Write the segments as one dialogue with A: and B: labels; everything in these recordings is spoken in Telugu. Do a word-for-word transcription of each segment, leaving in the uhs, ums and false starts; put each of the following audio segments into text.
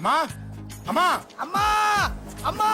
A: అమ్మా అమ్మా
B: అమ్మా అమ్మా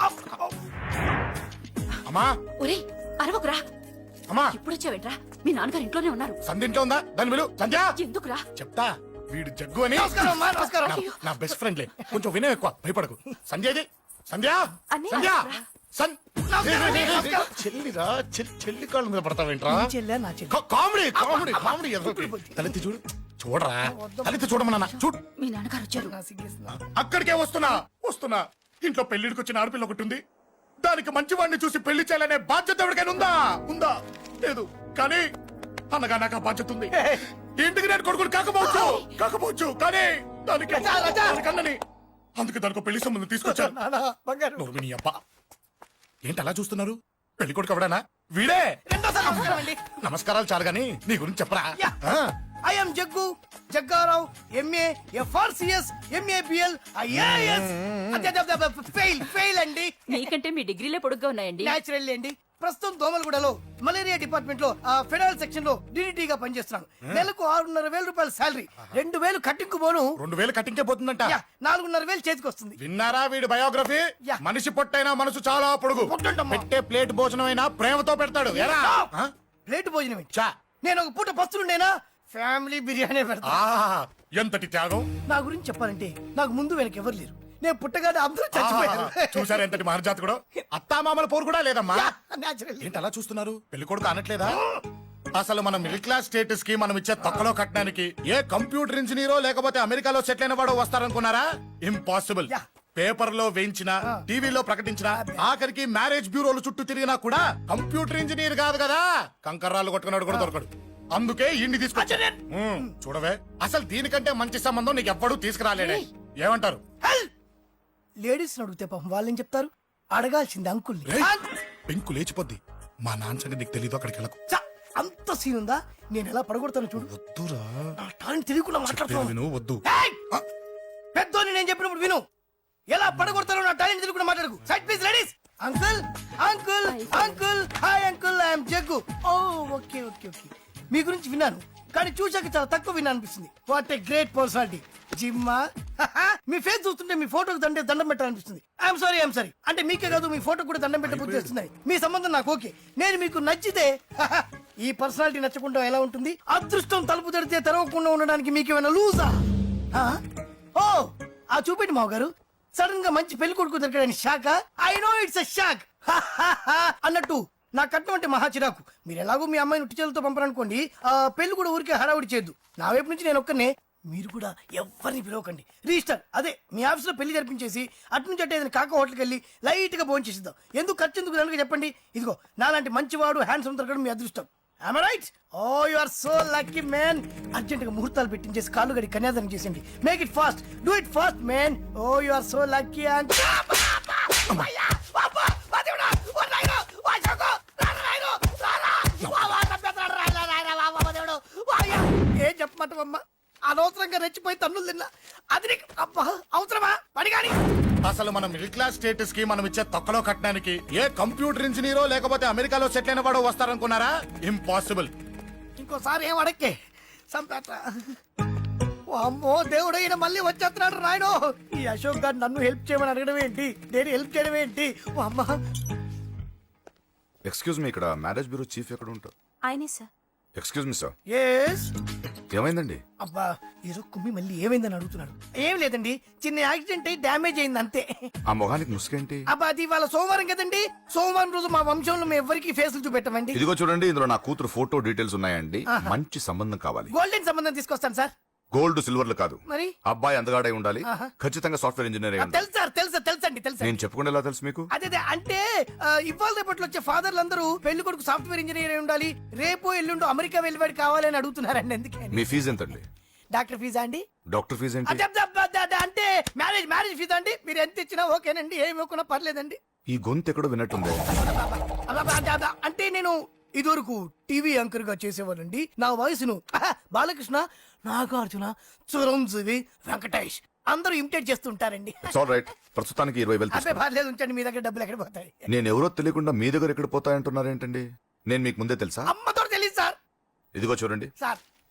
A: అమ్మా
C: ఒరే అరవకురా.
A: అమ్మా
C: ఇప్పుడు వచ్చావేంట్రా? మీ నాన్నగారు ఇంట్లోనే ఉన్నారు.
A: సంధ్య ఇంట్లో ఉందా? దాని విలు. సంధ్య
C: ఎందుకురా?
A: చెప్తా. వీడు జగ్గు అని
B: నమస్కారం అమ్మా నమస్కారం.
A: నా- నా బెస్ట్ ఫ్రెండ్లే. కొంచెం వినయం ఎక్కువ, భయపడకు. సంధ్యది సంధ్య
C: అన్నయ్య,
A: సంధ్య
C: నమస్కారం.
A: సన్-
B: నమస్కారం, నమస్కారం.
A: చెల్లిరా చెల్లి చెల్లి కాళ్ళ మీద పడతావేంట్రా?
B: నీ చెల్లె నా చెల్లె.
A: కా- కామెడీ కామెడీ కామెడీ ఎదరొకటి. తలెత్తి చూడు. చూడరా తలెత్తి చూడమన్నా చూడు.
C: మీ నాన్నగారు వచ్చారు.
B: నా సిగ్గేస్తున్నా.
A: అక్కడికే వస్తున్నా వస్తున్నా ఇంట్లో పెళ్లిడికి వచ్చిన ఆడపిల్ల ఒకటి ఉంది. దానికి మంచి వాడిని చూసి పెళ్లి చేయాలనే బాధ్యత ఎవరికైనా ఉందా? ఉందా? లేదు. కానీ అనగా నాకు ఆ బాధ్యత ఉంది. ఇంటికి నేను కొడుకుని కాకపోవచ్చు కాకపోవచ్చు కానీ దానికి
B: రజా, రజా.
A: దానికి అన్నని అందుకే దానికి పెళ్లి సంబంధం తీసుకొచ్చాను.
B: నానా, బంగారు.
A: నోర్మిని అబ్బా ఏంటి అలా చూస్తున్నారు? పెళ్లి కొడుకు ఎవడానా? వీడే.
B: రెండోసారి నమస్కారం అండి.
A: నమస్కారాలు చాలు గాని నీ గురించి చెప్పరా?
B: యా.
A: ఆ,
B: I am Jaggu Jaggarao MA FRCS MA BL IAS fail fail అండి.
C: మీకంటే మీ డిగ్రీలే పొడుగ్గా ఉన్నాయండి.
B: న్యాచురల్ అండి. ప్రస్తుతం దోమలగూడలో మలేరియా డిపార్ట్మెంట్ లో ఆ ఫెడరల్ సెక్షన్ లో డిడిటీ గా పనిచేస్తున్నాను. నెలకు ఆరున్నర వేల రూపాయల శాలరీ, రెండు వేలు కట్టింకు పోను,
A: రెండు వేలు కట్టింకే పోతుందంట.
B: యా, నాలుగున్నర వేలు చేతికి వస్తుంది.
A: విన్నారా వీడి బయోగ్రఫీ?
B: యా.
A: మనిషి పొట్టైనా మనసు చాలా పొడుగు.
B: పొట్టంటమ్మా.
A: పెట్టే ప్లేట్ భోజనం అయినా ప్రేమతో పెడతాడు. ఎరా? ఆ?
B: ప్లేట్ భోజనం ఏంటి?
A: చా.
B: నేను ఒక పూట పస్తులుండేనా ఫ్యామిలీ బిర్యానీ పెడతా.
A: ఆహా, ఎంతటి త్యాగం.
B: నా గురించి చెప్పాలంటే నాకు ముందు వెనక ఎవరు లేరు. నేను పుట్టగానే అందరూ చచ్చిపోయారు.
A: ఆహా, చూసారా ఎంతటి మహర్జాత్ కూడా. అత్తామామల పోరు కూడా లేదమ్మా.
B: న్యాచురల్.
A: ఏంటి అలా చూస్తున్నారు? పెళ్లి కొడుకు అనట్లేదా? అసలు మన మిడిల్ క్లాస్ స్టేటస్ కి మనం ఇచ్చే తొక్కలో కట్టడానికి ఏ కంప్యూటర్ ఇంజనీరో లేకపోతే అమెరికాలో సెటిల్ అయిన వాడు వస్తారనుకున్నారా? ఇంపాసిబుల్.
B: యా.
A: పేపర్ లో వేయించిన, టీవీలో ప్రకటించిన, ఆఖరికి మ్యారేజ్ బ్యూరోలు చుట్టూ తిరిగినా కూడా కంప్యూటర్ ఇంజనీర్ కాదు కదా, కంకర్రాలు కొట్టుకున్నాడు కూడా దొరకడు. అందుకే ఇండి తీసుకొచ్చా. ఉమ్, చూడవే అసలు దీనికంటే మంచి సంబంధం నీకు ఎవ్వడూ తీసుకురాలేడే. ఏమంటారు?
B: లేడీస్ అడిగితే పాపం వాళ్ళేం చెప్తారు? అడగాల్సింది అంకుల్ని.
A: రేయ్, పెంకు లేచిపోద్ది. మా నాన్న సంగతి నీకు తెలీదు. అక్కడికి వెళ్ళకు.
B: చ, అంత సీన్ ఉందా? నేను ఎలా పడగొడతాను చూడు.
A: వద్దురా.
B: నా టాలెంట్ తెలియకుండా
A: చెప్పేది
B: మాట్లాడుతున్నాను.
A: విను. వద్దు.
B: పెద్దోని నేను చెప్పినప్పుడు విను. ఎలా పడగొడతారో నా టాలెంట్ తెలియకుండా మాట్లాడకు. Side please ladies. Uncle uncle uncle hi uncle, I'm Jaggu. Oh okay okay okay. మీ గురించి విన్నాను కానీ చూశాక చాలా తక్కువ విన్నా అనిపిస్తుంది. What a great personality. జిమ్మా మీ ఫేస్ చూస్తుంటే మీ ఫోటోకి దండే దండం పెట్టాలనిపిస్తుంది. I'm sorry I'm sorry. అంటే మీకే కాదు మీ ఫోటో కూడా దండం పెట్టే బుద్ధి వస్తున్నాయి. మీ సంబంధం నాకు ఓకే. నేను మీకు నచ్చితే ఈ పర్సనాలిటీ నచ్చకుండా ఎలా ఉంటుంది? అదృష్టం తలుపు తెరితే తెరవకుండా ఉండడానికి మీకేమైనా లూజా? ఓ ఆ చూపెట్టి మావ గారు. సడన్ గా మంచి పెళ్లి కొడుకు దొరకడానికి shock. I know it's a shock అన్నట్టు నా కట్నం అంటే మహా చిరాకు. మీరు ఎలాగో మీ అమ్మాయిని ఉట్టి చేతులతో పంపరనుకోండి, ఆ పెళ్లి కూడా ఊరికే హడావుడి చేయొద్దు. నా వైపు నుంచి నేను ఒక్కనే, మీరు కూడా ఎవరిని పిలవకండి. రిజిస్టర్ అదే మీ ఆఫీస్ లో పెళ్లి జరిపించేసి అటు నుంచి అంటే ఏదైనా కాక హోటల్కి వెళ్ళి లైట్ గా భోజనం చేసిద్దాం. ఎందుకు ఖర్చు ఎందుకు దానికి చెప్పండి. ఇదిగో నాలాంటి మంచివాడు హ్యాండ్సమ్ దొరకడం మీ అదృష్టం. Am I right? Oh, you are so lucky, man. Urgent గా ముహూర్తాలు పెట్టించేసి కాళ్ళు గడి కన్యాదానం చేసేయండి. Make it fast. Do it fast, man. Oh you are so lucky. And ఏం చెప్పమంటావమ్మా? అనవసరంగా రెచ్చిపోయి తన్నులు తిన్నా. అది నీకు అబ్బా అవసరమా? పడిగాని
A: అసలు మన మిడిల్ క్లాస్ స్టేటస్ కి మనం ఇచ్చే తొక్కలో కట్టడానికి ఏ కంప్యూటర్ ఇంజనీరో లేకపోతే అమెరికాలో సెటిల్ అయిన వాడు వస్తారనుకున్నారా? ఇంపాసిబుల్.
B: ఇంకోసారి ఏం అడక్కే సంపేట. అమ్మో దేవుడు, ఈయన మళ్ళీ వచ్చేస్తున్నాడు రాయడు. ఈ అశోక్ గారు నన్ను హెల్ప్ చేయమని అడగడం ఏంటి, నేను హెల్ప్ చేయడం ఏంటి? ఓ అమ్మా.
D: ఎక్స్క్యూజ్ మీ, ఇక్కడ మ్యారేజ్ బ్యూరో చీఫ్ ఎక్కడ ఉంటారు?
C: ఆయనే sir.
D: Excuse me sir,
B: yes.
D: ఏమైందండి?
B: అబ్బా ఏదో కుమ్మి మళ్ళీ ఏమైందని అడుగుతున్నాడు. ఏం లేదండి, చిన్న యాక్సిడెంట్ అయి డ్యామేజ్ అయింది అంతే.
D: ఆ మొహానికి ముసుకేంటి?
B: అబ్బా అది వాళ్ళ సోమవారం కదండి. సోమవారం రోజు మా వంశంలో మేము ఎవరికి ఫేసులు చూపెట్టమండి.
D: ఇదిగో చూడండి, ఇందులో నా కూతురు ఫోటో డీటెయిల్స్ ఉన్నాయండి. మంచి సంబంధం కావాలి.
B: గోల్డెన్ సంబంధం తీసుకొస్తాను సార్.
D: గోల్డ్ సిల్వర్లు కాదు,
B: మరి
D: అబ్బాయి అందగాడై ఉండాలి.
B: ఆహా.
D: ఖచ్చితంగా సాఫ్ట్వేర్ ఇంజనీర్ అయి ఉండాలి.
B: తెలుసు సార్, తెలుసా తెలుసండి తెలుసా.
D: నేను చెప్పకుండా ఎలా తెలుసు మీకు?
B: అదే అదే అంటే ఆ, ఇవాళ రేపట్లో వచ్చే ఫాదర్లు అందరూ పెళ్లి కొడుకు సాఫ్ట్వేర్ ఇంజనీర్ అయి ఉండాలి, రేపు ఎల్లుండు అమెరికా వెళ్ళివాడు కావాలని అడుగుతున్నారండి. అందుకే
D: మీ ఫీజు ఎంతండి?
B: డాక్టర్ ఫీజా అండి?
D: డాక్టర్ ఫీజు ఏంటి?
B: అదే, అదే, అదే, అదే, అంటే మ్యారేజ్ మ్యారేజ్ ఫీజా అండి? మీరు ఎంత ఇచ్చినా ఓకేనండి, ఏమి ఇవ్వకున్నా పర్లేదండి.
D: ఈ గొంతు ఎక్కడో విన్నట్టుంది.
B: అబ్బా, అదే, అదే, అంటే నేను ఇదివరకు టీవీ యాంకర్ గా చేసేవాడండి. నా వయసును ఆహా, బాలకృష్ణ, నాగార్జున, చిరంజీవి, వెంకటేష్ అందరూ ఇమిటేట్ చేస్తుంటారండి.
D: It's all right. ప్రస్తుతానికి ఇరవై వేలు
B: అదే
D: తీసుకోండి.
B: పర్లేదు, ఉంచండి. మీ దగ్గర డబ్బులు ఎక్కడ పోతాయి?
D: నేను ఎవరో తెలియకుండా మీ దగ్గర ఎక్కడ పోతాయంటున్నారేంటండి? నేను మీకు ముందే తెలుసా?
B: అమ్మతో తెలియదు సార్.
D: ఇదిగో చూడండి,
B: సార్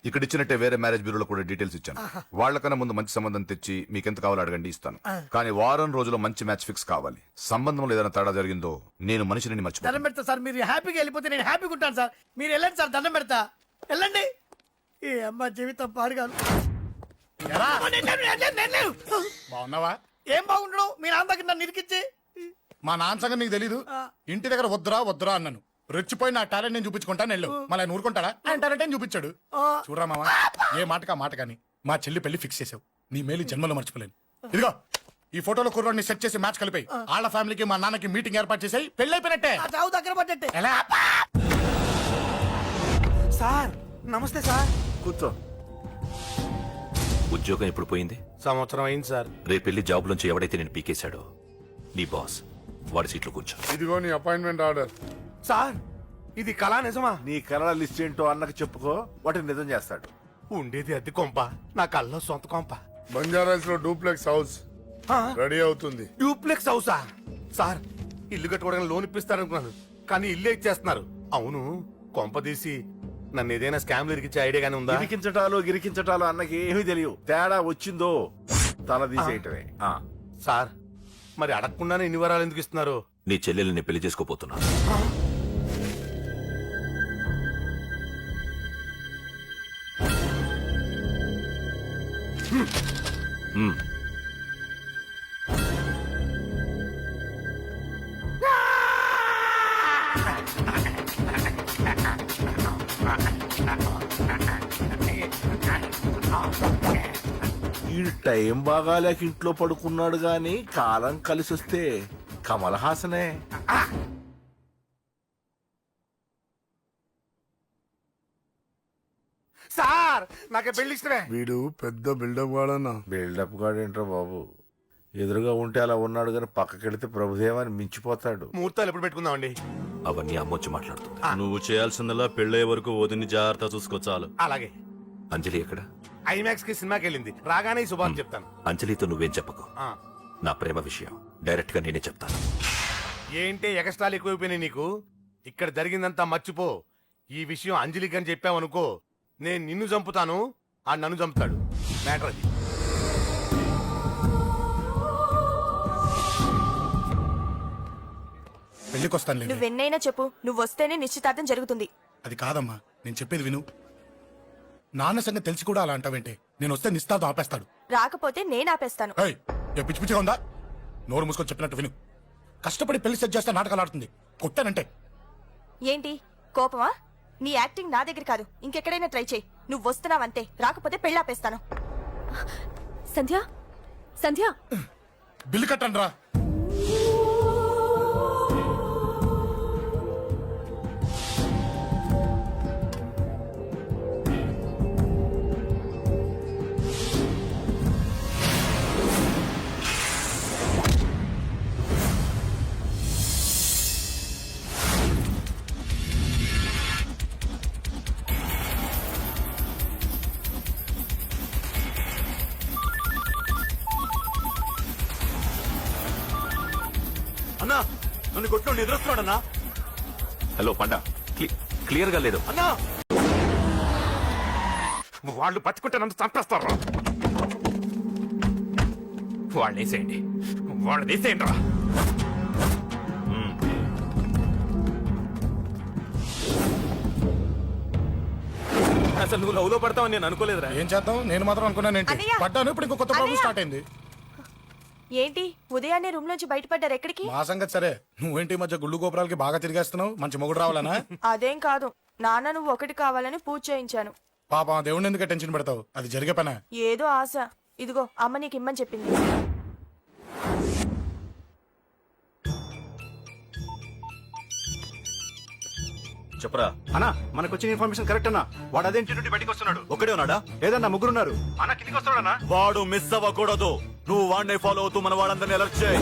D: ఇక్కడ ఇచ్చినట్టే వేరే మ్యారేజ్ బ్యూరోలో కూడా డీటెయిల్స్ ఇచ్చాను. వాళ్ళకన్నా ముందు మంచి సంబంధం తెచ్చి మీకెంత కావాలో అడగండి, ఇస్తాను. కానీ వారం రోజుల్లో మంచి మ్యాచ్ ఫిక్స్ కావాలి. సంబంధంలో ఏదైనా తేడా జరిగిందో నేను మనిషిని మర్చిపోతాను.
B: దండం పెడతా సార్, మీరు హ్యాపీగా వెళ్ళిపోతే నేను హ్యాపీగా ఉంటాను సార్. మీరు వెళ్ళండి సార్, దండం పెడతా, వెళ్ళండి. ఈ అమ్మ జీవితం పాడుగాను.
A: ఎరా,
B: నేను లేను, నేను లేను, నేను లేను.
A: బాగున్నావా?
B: ఏం బాగుండడం, మీ నాన్న దగ్గర నన్ను ఇరికిచ్చి.
A: మా నాన్న సంగతి నీకు తెలీదు. ఇంటి దగ్గర వద్దురా వద్దురా అన్నాను. రెచ్చిపోయి నా టాలెంట్ నేను చూపించుకుంటాను వెళ్ళు. మళ్ళీ ఆయన ఊరుకుంటాడా? ఆయన టాలెంట్ అని చూపించాడు. చూడరా మామ, ఏ మాటకా మాట కానీ మా చెల్లి పెళ్లి ఫిక్స్ చేసావు. నీ మేలు జన్మలో మర్చిపోలేను. ఇదిగో ఈ ఫోటోలో కుర్రాడిని సెట్ చేసి మ్యాచ్ కలిపాయి. వాళ్ళ ఫ్యామిలీకి మా నాన్నకి మీటింగ్ ఏర్పాటు చేసాయి. పెళ్లి అయిపోయినట్టే.
B: ఆ చావు దగ్గర పడ్డట్టే.
A: ఎలా?
E: సార్ నమస్తే సార్.
F: కూర్చో.
E: ఉద్యోగం ఎప్పుడు పోయింది?
F: సంవత్సరం అయింది సార్.
E: రేపెళ్ళి జాబ్ నుంచి ఎవడైతే నేను పీకేశాడో నీ బాస్ వాడి సీట్లో కూర్చో.
A: ఇదిగో నీ అపాయింట్మెంట్ ఆర్డర్.
F: సార్ ఇది కళా నిజమా? నీ కళల లిస్ట్ ఏంటో అన్నకు చెప్పుకో, వాటిని నిజం చేస్తాడు.
G: ఉండేది అద్దె కొంప, నా కల్లో సొంత కొంప.
A: బంజారాస్ లో డూప్లెక్స్ హౌస్ రెడీ అవుతుంది.
G: డూప్లెక్స్ హౌసా? సార్ ఇల్లు కట్టుకోవడానికి లోన్ ఇప్పిస్తారనుకున్నాను, కానీ ఇల్లు ఇచ్చేస్తున్నారు. అవును, కొంప తీసి నన్ను ఏదైనా స్కామ్ ఇరికిచ్చే ఐడియా గానీ ఉందా?
F: గిరికించటాలు గిరికించటాలు అన్నకి ఏమీ తెలియదు. తేడా వచ్చిందో తల తీసేయటమే. ఆ.
G: సార్ మరి అడగకుండానే ఇన్ని వరాలు ఎందుకు ఇస్తున్నారు?
E: నీ చెల్లెల్ని పెళ్లి చేసుకోపోతున్నా. హ్మ్.
F: ఈ టైం బాగాలేక ఇంట్లో పడుకున్నాడు గాని కాలం కలిసి వస్తే కమల్ హాసనే.
G: సార్ నాకే పెళ్లి ఇష్టమే.
A: వీడు పెద్ద బిల్డప్ వాడన్నా.
F: బిల్డప్ గాడేంట్రా బాబు, ఎదురుగా ఉంటే అలా ఉన్నాడు గాని పక్కకెడితే ప్రభుదేవాన్ని మించిపోతాడు.
G: ముహూర్తాలు ఎప్పుడు పెట్టుకుందామండి?
E: అవన్నీ అమ్మొచ్చి మాట్లాడుతుంది.
H: నువ్వు చేయాల్సిందల్లా పెళ్ళయ్యే వరకు వదిని జాగ్రత్త చూసుకో చాలు.
G: అలాగే.
E: అంజలి ఎక్కడ?
G: ఐమాక్స్ కి సినిమాకి వెళ్ళింది, రాగానే ఈ శుభాన్ని చెప్తాను.
E: అంజలితో నువ్వేం చెప్పకు.
G: ఆ.
E: నా ప్రేమ విషయం డైరెక్ట్ గా నేనే చెప్తాను.
G: ఏంటి ఎగస్ట్రాలు ఎక్కువైపోయినాయి నీకు? ఇక్కడ జరిగిందంతా మర్చిపో. ఈ విషయం అంజలికి అని చెప్పావనుకో, నేను నిన్ను చంపుతాను, ఆ నన్ను చంపుతాడు. మ్యాటర్ అది.
A: పెళ్లికి వస్తాను.
I: నువ్వెన్నైనా చెప్పు, నువ్వు వస్తేనే నిశ్చితార్థం జరుగుతుంది.
A: అది కాదమ్మా, నేను చెప్పేది విను. నాన్న సంగతి తెలిసి కూడా అలా అంటావేంటే? నేను వస్తే నిస్తాతో ఆపేస్తాడు.
I: రాకపోతే నేను ఆపేస్తాను.
A: ఏయ్, ఏ పిచ్చి పిచ్చిగా ఉందా? నోరు మూసుకొని చెప్పినట్టు విను. కష్టపడి పెళ్లి సెట్ చేస్తే నాటకాలు ఆడుతుంది. కొట్టానంటే
I: ఏంటి కోపమా? నీ యాక్టింగ్ నా దగ్గర కాదు, ఇంకెక్కడైనా ట్రై చేయి. నువ్వు వస్తున్నావంతే, రాకపోతే పెళ్ళాపేస్తాను. సంధ్య, సంధ్య,
A: బిల్లు కట్టండి రా.
E: అన్నా నన్ను కొట్టు ఎదురొస్తున్నాడన్నా. హలో పండా, క్లియర్ గా లేదు
G: అన్నా. వాళ్ళు పట్టుకుంటే నన్ను చంపేస్తారు. వాళ్ళు వేసేయండి, వాళ్ళు వేసేయండి రా.
H: అసలు నువ్వు లవ్ లో పడతావని నేను అనుకోలేదురా.
A: ఏం చేద్దాం, నేను మాత్రం అనుకున్నానేంటి?
I: అన్నయ్య!
A: పడ్డాను, ఇప్పుడు ఇంకో కొత్త ప్రాబ్లం
I: అన్నయ్య!
A: స్టార్ట్ అయింది.
I: ఏంటి ఉదయాన్నే రూమ్ నుంచి బయటపడ్డారు? ఎక్కడికి?
A: మా సంగతి సరే, నువ్వేంటి ఈ మధ్య గుళ్ళు గోపురాలకి బాగా తిరిగేస్తున్నావు? మంచి మొగుడు రావాలనా?
I: అదేం కాదు, నాన్న నువ్వు ఒకటి కావాలని పూజ చేయించాను.
A: పాప దేవుడిని ఎందుకు టెన్షన్ పెడతావు? అది జరిగే పనా?
I: ఏదో ఆశ. ఇదిగో అమ్మ నీకు ఇమ్మని చెప్పింది.
H: చెప్పరా
J: అన్నా, మనకు వచ్చిన ఇన్ఫర్మేషన్ కరెక్ట్ అన్నా. వాడు అదే ఇంటి నుండి బయటకు వస్తున్నాడు.
H: ఒకడే ఉన్నాడా?
J: ఏదన్నా ముగ్గురున్నారు. అన్న కిందికి వస్తాడన్నా.
H: వాడు మిస్ అవ్వకూడదు. నువ్వు వాడిని ఫాలో అవుతూ మన వాళ్ళందరినీ అలర్ట్ చేయి.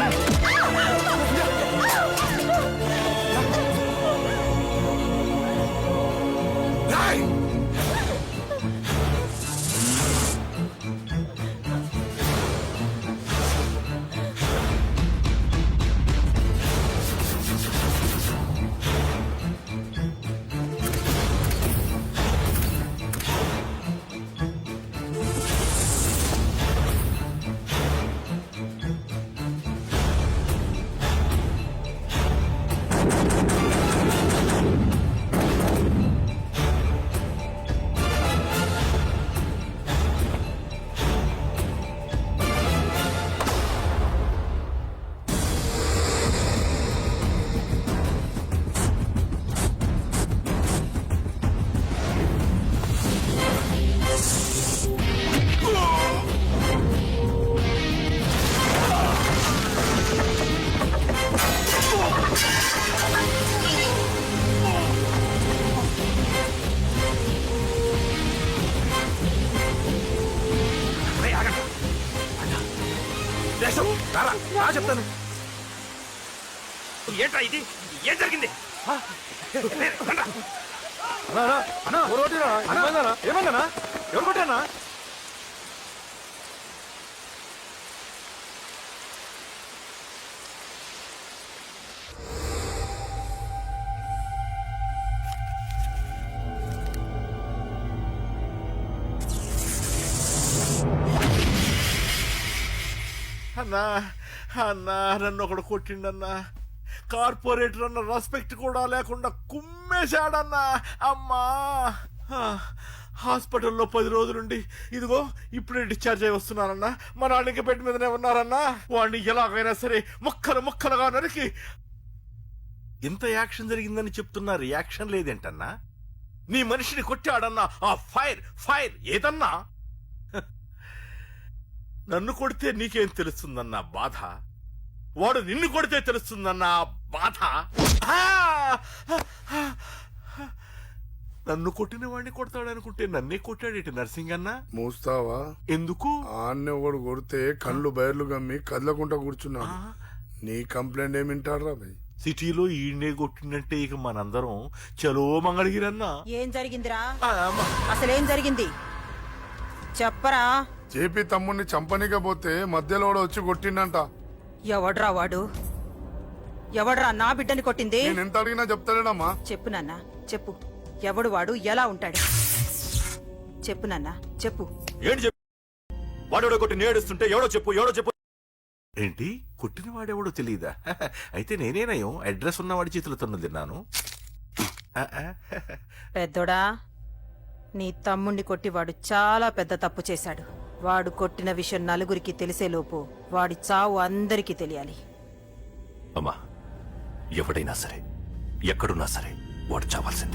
A: రాయ్!
E: చెప్తాను ఏంట్రా ఇది ఏం జరిగింది
J: ఏమన్నా ఎవరు కొట్టానా
F: అన్నా అన్నా నన్ను ఒకడు కొట్టిండన్నా కార్పొరేటర్ అన్న రెస్పెక్ట్ కూడా లేకుండా కుమ్మేశాడన్నా అమ్మా ఆ, హాస్పిటల్లో పది రోజులుండి ఇదిగో ఇప్పుడే డిశ్చార్జ్ అయి వస్తున్నానన్నా మా నాన్న ఇంకా బెడ్ మీదనే ఉన్నారన్నా వాడిని ఎలాగైనా సరే ముక్కలు ముక్కలుగా నరికి ఇంత యాక్షన్ జరిగిందని చెప్తున్నా రియాక్షన్ లేదేంటన్నా నీ మనిషిని కొట్టాడన్నా ఆ ఫైర్ ఫైర్ ఏదన్నా నన్ను కొడితే నీకేం తెలుస్తుందన్న బాధ వాడు నిన్ను కొడితే తెలుస్తుందన్న బాధ ఆ! నన్ను కొట్టిన వాడిని కొడతాడనుకుంటే నన్నే కొట్టాడేటి నర్సింగ్ అన్న
K: మూస్తావా
F: ఎందుకు
K: ఆన్నే ఒకడు కొడితే కళ్ళు బయర్లు గమ్మి కదలకుండా కూర్చున్నాడు నీ కంప్లైంట్ ఏమింటారా భయ్
F: సిటీలో ఈయనే కొట్టినట్టే ఇక మనందరం చలో మంగళగిరన్నా
L: ఏం జరిగిందిరా
F: ఆ, అమ్మ.
L: అసలేం జరిగింది చెప్పరా
K: జేపీ తమ్ముడిని చంపనీకపోతే మధ్యలో వాడు వచ్చి కొట్టిండంట
L: ఎవడ్రా వాడు ఎవడ్రా నా బిడ్డని కొట్టింది
K: నేను ఎంత అడిగినా చెప్తాడేనమ్మా
L: చెప్పు నాన్న చెప్పు ఎవడు వాడు ఎలా ఉంటాడు చెప్పు నాన్న చెప్పు
H: ఏంటి చెప్పు వాడెవడో కొట్టి నేడుస్తుంటే ఎవడో చెప్పు ఎవడో చెప్పు
F: ఏంటి కొట్టిన వాడెవడో తెలియదా అయితే నేనేనయం అడ్రస్ ఉన్నవాడి చేతులు తన్ను తిన్నాను ఆ, ఆ.
L: పెద్దోడా నీ తమ్ముణ్ణి కొట్టి వాడు చాలా పెద్ద తప్పు చేశాడు వాడు కొట్టిన విషయం నలుగురికి తెలిసేలోపు వాడి చావు అందరికీ తెలియాలి
E: అమ్మా ఎవడైనా సరే ఎక్కడున్నా సరే వాడు చావాల్సిందే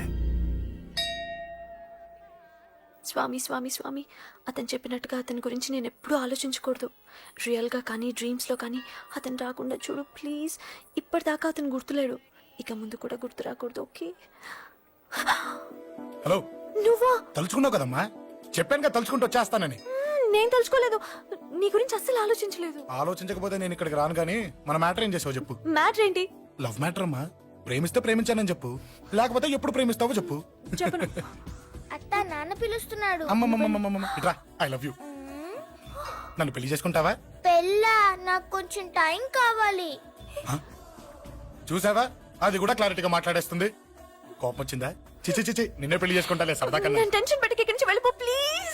I: స్వామి స్వామి స్వామి అతను చెప్పినట్టుగా అతని గురించి నేను ఎప్పుడూ ఆలోచించకూడదు రియల్గా కానీ డ్రీమ్స్లో కానీ అతను రాకుండా చూడు ప్లీజ్ ఇప్పటిదాకా అతను గుర్తులేడు ఇక ముందు కూడా గుర్తు రాకూడదు ఓకే
A: హలో
I: నువ్వా
A: తలుచుకున్నావు కదమ్మా చెప్పాను కదా తలుచుకుంటూ వచ్చేస్తానని
I: నేను తలుచుకోలేదు నీ గురించి అస్సలు ఆలోచించలేదు
A: ఆలోచించకపోతే నేను ఇక్కడికి రాను కానీ మన మ్యాటర్ ఏం చేసావు చెప్పు
I: మ్యాటర్ ఏంటి
A: లవ్ మ్యాటర్ అమ్మా ప్రేమిస్తే ప్రేమించానని చెప్పు లేకపోతే ఎప్పుడు ప్రేమిస్తావో చెప్పు
I: చెప్పను
M: అత్త నాన్న పిలుస్తున్నాడు
A: అమ్మమ్మమ్మమ్మమ్మ ఇట్రా ఐ లవ్ యూ నన్ను పెళ్లి చేసుకుంటావా
M: పెళ్ళా నాకు కొంచెం టైం కావాలి
A: చూసావా అది కూడా క్లారిటీగా మాట్లాడేస్తుంది కోపం వచ్చిందా చిచి చిచి నిన్నే పెళ్లి చేసుకుంటాలే సరదా కన్నా
I: నేను టెన్షన్ పెట్టి ఇక్కడి నుంచి వెళ్ళిపో ప్లీజ్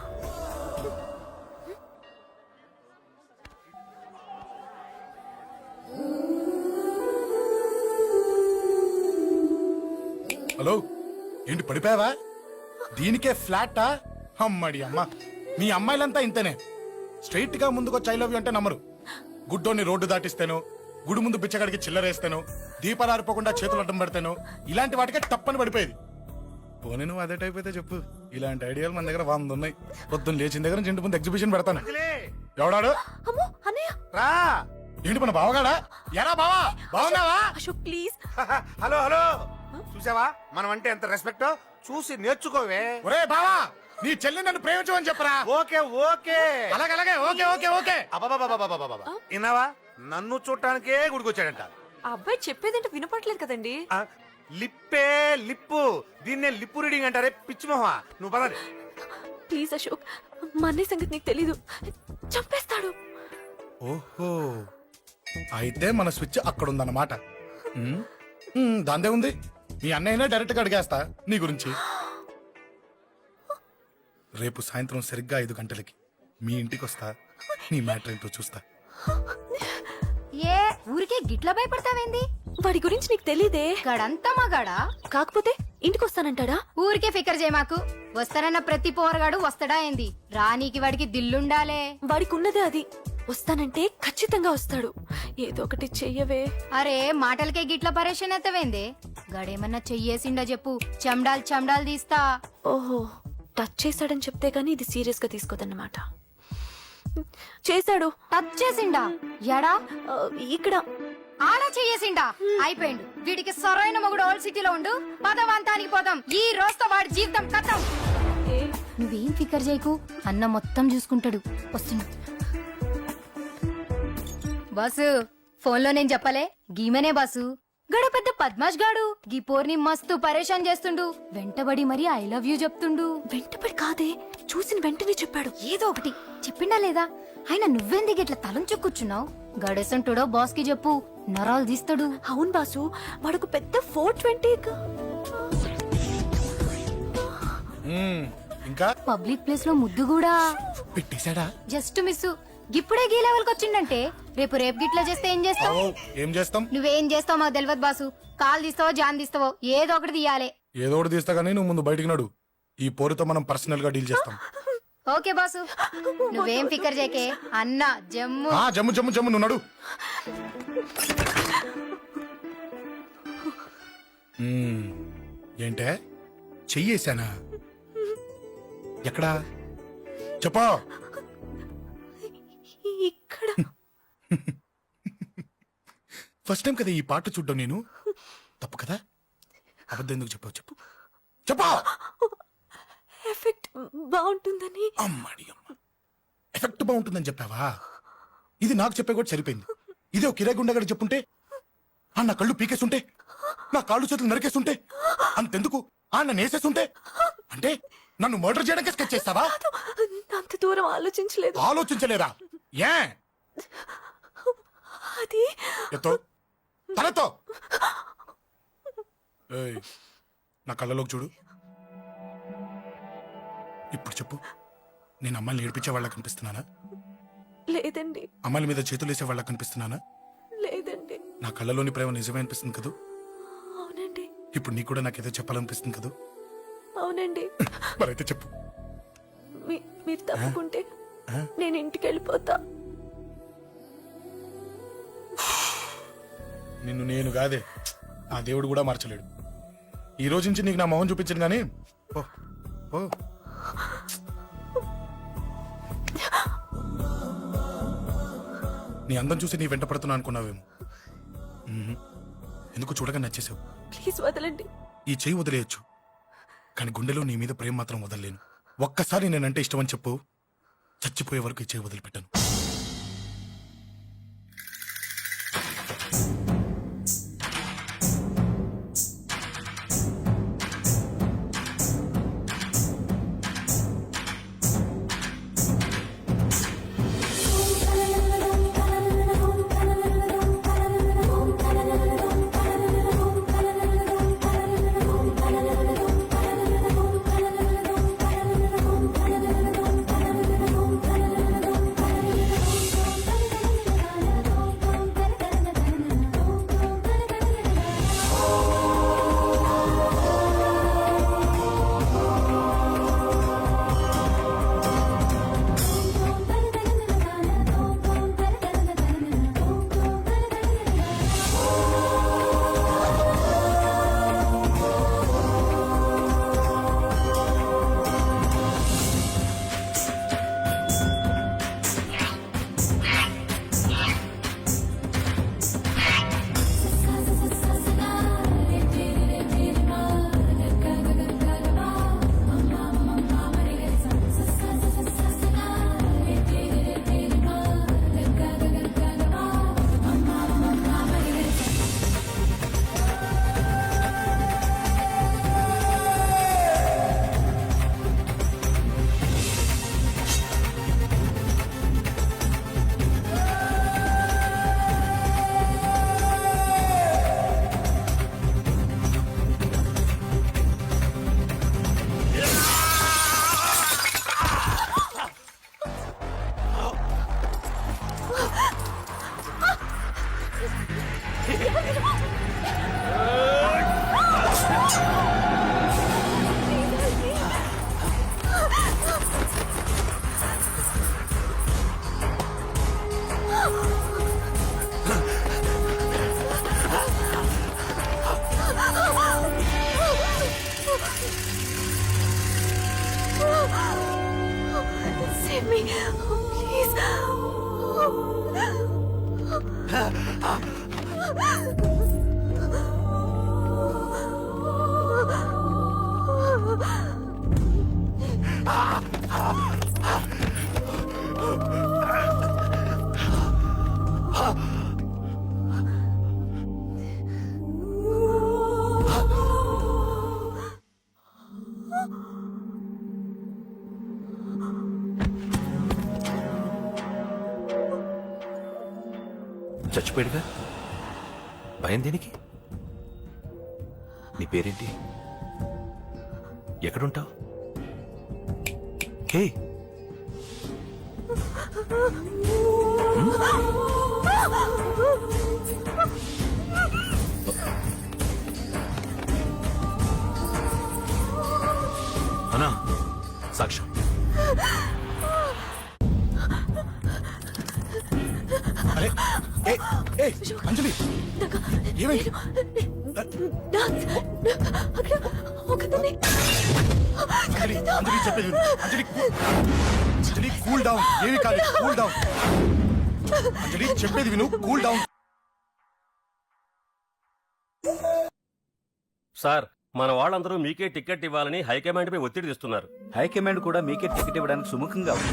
A: హలో ఏంటి పడిపోయావా దీనికే ఫ్లాటా అమ్మడి అమ్మ మీ అమ్మాయిలంతా ఇంతనే స్ట్రైట్ గా ముందుకొచ్చి ఐ లవ్ యూ అంటే నమ్మరు గుడ్డోని రోడ్డు దాటిస్తాను గుడి ముందు బిచ్చగాడికి చిల్లరేస్తాను దీపాలు ఆరిపోకుండా చేతులు అడ్డం పెడతాను ఇలాంటి వాటికే తప్పని పడిపోయేది పోనీ నువ్వు అదే టైప్ అయితే చెప్పు ఇలాంటి ఐడియాలు మన దగ్గర వంద ఉన్నాయి పొద్దున్న లేచిన దగ్గర నుంచి ఇంటి ముందు ఎగ్జిబిషన్ పెడతాను ఎవడాడు
I: అమ్మో అన్నయ్య
G: రా
A: ఏంటి మన బావగాడా ఎరా బావా బాగున్నావా
I: అశోక్ ప్లీజ్
G: హలో హలో చూసావా మనం అంటే ఎంత రెస్పెక్ట్ చూసి నేర్చుకోవే
A: ఒరే బావా నీ చెల్లి నన్ను ప్రేమించమని చెప్పరా
G: ఓకే ఓకే
A: అలాగే అలాగే ఓకే ఓకే ఓకే
G: అబాబాబాబాబాబాబా. విన్నావా నన్ను చూడటానికే గుడికొచ్చాడంట.
C: ఆ అబ్బాయి చెప్పేదంటే వినపట్లేదు కదండి.
G: ఆ, లిప్పే లిప్పు దీన్నే లిప్పు రీడింగ్ అంటారే పిచ్చి మొహ. నువ్వు పదండి.
I: ప్లీజ్ అశోక్, మా అన్నయ్య సంగతి నీకు తెలీదు, చంపేస్తాడు.
A: ఓహో అయితే మన స్విచ్ అక్కడ ఉందన్నమాట. ఉమ్, ఉమ్, దాందే ఉంది. మీ అన్నయ్యనే డైరెక్ట్ గా అడిగేస్తా నీ గురించి. రేపు సాయంత్రం సరిగ్గా ఐదు గంటలకి మీ ఇంటికి వస్తా. నీ మ్యాటర్ ఏంటో చూస్తా.
N: ఏ ఊరికే గిట్ల భయపడతావేంది?
I: వాడి గురించి నీకు తెలీదే.
N: గడంతా మగాడా?
I: కాకపోతే ఇంటికి వస్తానంటాడా?
N: ఊరికే ఫికర్ చేయమాకు. వస్తానన్న ప్రతి పోరగాడు వస్తాడా ఏంది? రానీకి వాడికి దిల్లుండాలే.
I: వాడికి ఉన్నదే అది. వస్తానంటే ఖచ్చితంగా వస్తాడు. ఏదో ఒకటి చెయ్యవే.
N: అరే మాటలకే గిట్ల పరేషన్ అవుతావేంది? గడేమన్నా చెయ్యేసిండా చెప్పు, చెమ్డాల్ చెమ్డాల్ తీస్తా.
I: ఓహో, టచ్ చేశాడని చెప్తే గానీ ఇది సీరియస్ గా తీసుకోదన్నమాట. చేశాడు.
N: టచ్ చేసిండా? ఎడా?
I: ఆ, ఇక్కడ
N: ఆడా చెయ్యేసిండా? అయిపోయిండు. వీడికి సరైన మొగుడు ఓల్డ్ సిటీలో ఉండు. పదవంతానికి పోదాం. ఈ రోజుతో వాడి జీవితం కథం. నువ్వేం ఫికర్ చేయకు, అన్న మొత్తం చూసుకుంటాడు. వస్తున్నా బాసు. ఫోన్ లో నేను చెప్పలే, గీమనే బాసు. గడ పెద్ద పద్మాష్ గాడు గీ పోర్ని మస్తు పరేషాన్ చేస్తుండు. వెంటబడి మరి ఐ లవ్ యూ చెప్తుండు.
I: వెంటపడి కాదే, చూసిన వెంటనే చెప్పాడు.
N: ఏదో ఒకటి చెప్పిండా లేదా? ఆయన నువ్వెందుకు ఇట్లా తలంచు కూర్చున్నావు? గడేసంటుడో బాస్ కి చెప్పు, నరాలు తీస్తాడు.
I: అవును బాసు, వాడుకు పెద్ద ఫోర్ ట్వంటీ.
A: ఇంకా
N: పబ్లిక్ ప్లేస్ లో ముద్దు కూడా
A: పెట్టేశాడా?
N: Just miss. ఇప్పుడే గీ లెవెల్ కి వచ్చిండంటే రేపు రేపు గిట్లా చేస్తే ఏం చేస్తావు?
A: ఏం చేస్తాం?
N: నువ్వేం చేస్తావు మాకు తెలియదు బాసు. కాల్ తీస్తావో జాన్ తీస్తావో ఏదో ఒకటి తీయాలి.
A: ఏదో ఒకటి తీస్తా కానీ నువ్వు ముందు బయటికి నడు. ఈ పోరుతో మనం పర్సనల్ గా డీల్ చేస్తాం.
N: ఓకే బాసు, నువ్వేం ఫికర్ చేయకే. అన్న జమ్ము
A: ఆ, జమ్ము జమ్ము జమ్ము నువ్వు నడు. మ్మ్. ఏంటే చెయ్యేశానా? ఎక్కడా చెప్పా?
I: ఇక్కడ
A: ఫస్ట్ టైం కదా ఈ పాట చూడ్డం నేను. తప్పు కదా? అబద్ధం ఎందుకు చెప్పావు చెప్పు చెప్పా.
I: ఎఫెక్ట్ బాగుంటుందని.
A: అమ్మాడి అమ్మ, ఎఫెక్ట్ బాగుంటుందని చెప్పావా? ఇది నాకు చెప్పే కూడా సరిపోయింది. ఇదే ఒక కిరాయి గుండెగాడు చెప్పుంటే, ఆ నా కళ్ళు పీకేస్తుంటే, నా కాళ్ళు చేతులు నరికేస్తుంటే, అంతెందుకు ఆ నన్ను వేసేస్తుంటే, అంటే నన్ను మర్డర్ చేయడానికి స్కెచ్ చేస్తావా?
I: అంత దూరం ఆలోచించలేదు.
A: ఆలోచించలేదా? ఏ
I: అది
A: ఎత్తో తలతో. ఏయ్, నా కళ్ళలోకి చూడు. ఇప్పుడు చెప్పు, నేను అమ్మాయిని ఏడిపించే వాళ్ళ కనిపిస్తున్నానా?
I: లేదండి.
A: అమ్మాయిల మీద చేతులు వేసే వాళ్ళ కనిపిస్తున్నానా?
I: లేదండి.
A: నా కళ్ళలోని ప్రేమ నిజమే అనిపిస్తుంది కదూ?
I: అవునండి.
A: ఇప్పుడు నీకు కూడా నాకేదో చెప్పాలనిపిస్తుంది కదూ?
I: అవునండి.
A: మరైతే చెప్పు.
I: మీ- మీరు తప్పుకుంటే నేను ఇంటికి వెళ్ళిపోతా.
A: నిన్ను నేను కాదే, ఆ దేవుడు కూడా మార్చలేడు. ఈ రోజు నుంచి నీకు నా మొహం చూపించను గానీ ఓ ఓ నీ అందం చూసి నీ వెంట పడుతున్నా అనుకున్నావేమో. మ్మ్. ఎందుకు చూడగా నచ్చేసావు.
I: ప్లీజ్ వదలండి.
A: ఈ చెయ్యి వదిలేయచ్చు, కానీ గుండెలో నీ మీద ప్రేమ మాత్రం వదలలేను. ఒక్కసారి నేనంటే ఇష్టం అని చెప్పు, చచ్చిపోయే వరకు ఈ చెయ్యి వదిలిపెట్టాను.
I: Save me, please.
E: చచ్చిపోయాడుగా భయం దేనికి? నీ పేరేంటి? ఎక్కడుంటావు? హే అన్నా, సాక్ష్యం.
A: అరే ఏ ఏ అంజలి ఏమైంది? అంజలి అంజలి చెప్పేది విను. అంజలి కూ- అంజలి కూల్ డౌన్. ఏమి కాదు, కూల్ డౌన్. అంజలి చెప్పేది విను, కూల్ డౌన్.
O: సార్, మన వాళ్ళందరూ మీకే టికెట్ ఇవ్వాలని హైకమాండ్ పై ఒత్తిడి తెస్తున్నారు.
J: హైకమాండ్ కూడా మీకే టికెట్ ఇవ్వడానికి సుముఖంగా ఉంది.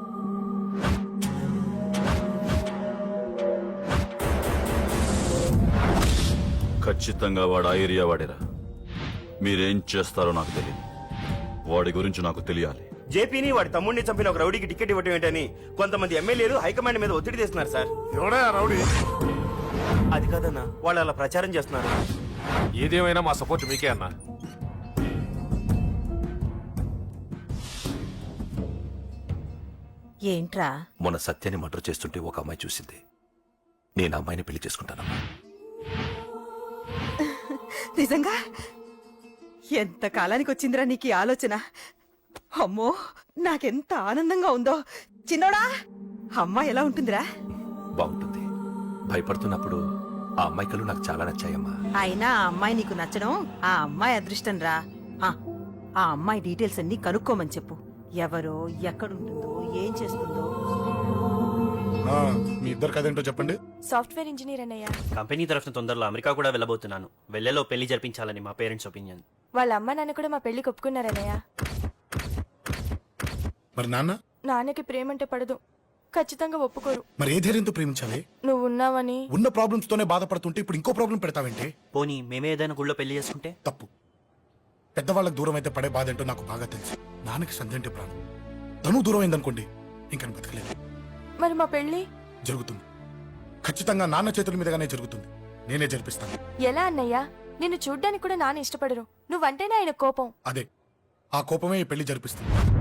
H: ఖచ్చితంగా వాడు ఆ ఏరియా వాడేరా. మీరేం చేస్తారో నాకు తెలియదు. వాడి గురించి నాకు తెలియాలి.
O: జేపీని వాడి తమ్ముడిని చంపిన ఒక రౌడీకి టికెట్ ఇవ్వటం ఏంటని కొంతమంది ఎమ్మెల్యేలు హైకమాండ్ మీద ఒత్తిడి తెస్తున్నారు సార్.
A: ఎవడా రౌడీ?
O: అది కాదన్నా, వాళ్ళు అలా ప్రచారం చేస్తున్నారు.
G: ఏదేమైనా మా సపోర్ట్ మీకే అన్నా.
L: ఏంట్రా?
E: మొన్న సత్యాన్ని మర్డర్ చేస్తుంటే ఒక అమ్మాయి చూసింది. నేను ఆ అమ్మాయిని పెళ్లి చేసుకుంటానమ్మా.
L: నిజంగా? ఎంత కాలానికి వచ్చిందిరా నీకు ఈ ఆలోచన? అమ్మో, నాకెంత ఆనందంగా ఉందో. చిన్నోడా, అమ్మాయి ఎలా ఉంటుందిరా?
E: బాగుంటుంది. భయపడుతున్నప్పుడు ఆ అమ్మాయి కళ్ళు నాకు చాలా నచ్చాయమ్మా.
L: అయినా ఆ అమ్మాయి నీకు నచ్చడం ఆ అమ్మాయి అదృష్టం రా. ఆ, ఆ అమ్మాయి డీటెయిల్స్ అన్ని కనుక్కోమని చెప్పు. ఎవరో, ఎక్కడుంటుందో, ఏం చేస్తుందో.
A: ఆ, మీ ఇద్దరు కదేంటో చెప్పండి.
C: సాఫ్ట్వేర్ ఇంజనీర్ అన్నయ్య.
O: కంపెనీ తరఫున తొందరలో అమెరికా కూడా వెళ్ళబోతున్నాను. వెళ్ళేలో పెళ్లి జరిపించాలని మా పేరెంట్స్ ఒపీనియన్.
C: వాళ్ళ అమ్మ నాన్న కూడా మా పెళ్లికి ఒప్పుకున్నారన్నయ్య.
A: మరి నాన్న?
C: నాన్నకి ప్రేమ అంటే పడదు, ఖచ్చితంగా ఒప్పుకోరు.
A: మరి ఏ ధైర్యంతో ప్రేమించాలి?
C: నువ్వు ఉన్నావని.
A: ఉన్న ప్రాబ్లమ్స్ తోనే బాధపడుతుంటే ఇప్పుడు ఇంకో ప్రాబ్లం పెడతావేంటి?
O: పోనీ మేమే ఏదైనా గుళ్ళో పెళ్లి చేసుకుంటే?
A: తప్పు. పెద్దవాళ్ళకి దూరం అయితే పడే బాధ ఏంటో నాకు బాగా తెలుసు. నాన్నకి సంధ్య అంటే ప్రాణం. తను దూరం అయిందనుకోండి, ఇంకా నేను బతకలేదు.
C: మరి మా పెళ్లి
A: జరుగుతుంది. ఖచ్చితంగా నాన్న చేతుల మీదగానే జరుగుతుంది. నేనే జరిపిస్తాను.
C: ఎలా అన్నయ్య? నిన్ను చూడ్డానికి కూడా నాన్న ఇష్టపడరు. నువ్వంటేనే ఆయన కోపం.
A: అదే, ఆ కోపమే ఈ పెళ్లి జరిపిస్తుంది.